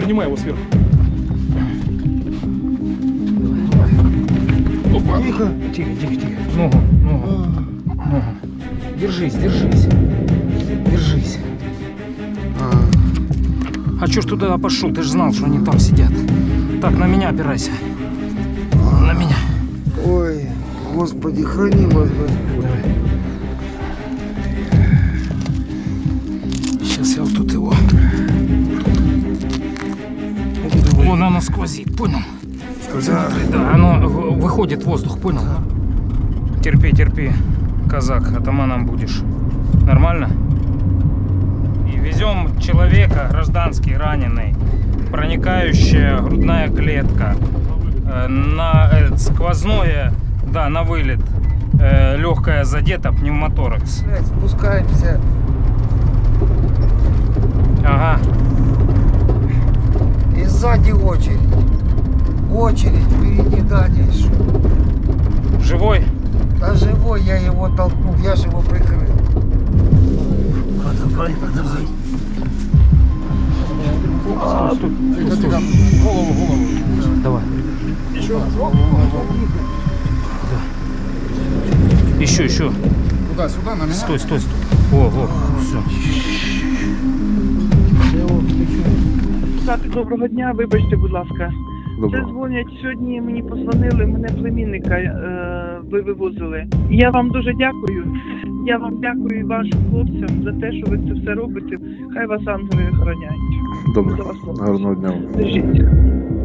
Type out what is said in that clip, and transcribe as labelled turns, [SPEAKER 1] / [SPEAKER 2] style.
[SPEAKER 1] Принимай его сверху. Опа.
[SPEAKER 2] Тихо.
[SPEAKER 3] Тихо, тихо, тихо. Ногу, ногу, ногу. Держись, держись. Держись. А чё ж туда пошел? Ты же знал, что они там сидят. Так, на меня опирайся. На меня.
[SPEAKER 2] Ой, Господи, храни вас, Господь.
[SPEAKER 3] Давай. Сейчас я вот тут его. Вон оно сквозит, понял?
[SPEAKER 2] Да.
[SPEAKER 3] Да, оно выходит воздух, понял? Терпи, терпи, казак, атаманом будешь. Нормально? И везем человека, гражданский, раненый, проникающая грудная клетка, на сквозное, да, на вылет, легкая задета, пневмоторакс.
[SPEAKER 2] Блядь, спускаемся.
[SPEAKER 3] Ага.
[SPEAKER 2] И сзади очередь. Очередь впереди дальше.
[SPEAKER 3] Живой?
[SPEAKER 2] Да живой, я его толкнул, я же его прикрыл. Подавай, подавай.
[SPEAKER 3] Стой, стой.
[SPEAKER 1] Голову.
[SPEAKER 3] Давай.
[SPEAKER 1] Еще.
[SPEAKER 3] Еще.
[SPEAKER 1] Сюда, на меня.
[SPEAKER 3] Стой. О, все.
[SPEAKER 4] Так, доброго дня, вибачте, будь ласка. Це дзвонять сьогодні, мені позвонили, мене племінника ви вивозили. Я вам дуже дякую. Я вам дякую і вашим хлопцям за те, що ви це все робите. Хай вас ангели охороняють.
[SPEAKER 5] Добре,
[SPEAKER 4] До вас, хлопці.
[SPEAKER 5] гарного дня.
[SPEAKER 4] Держіться.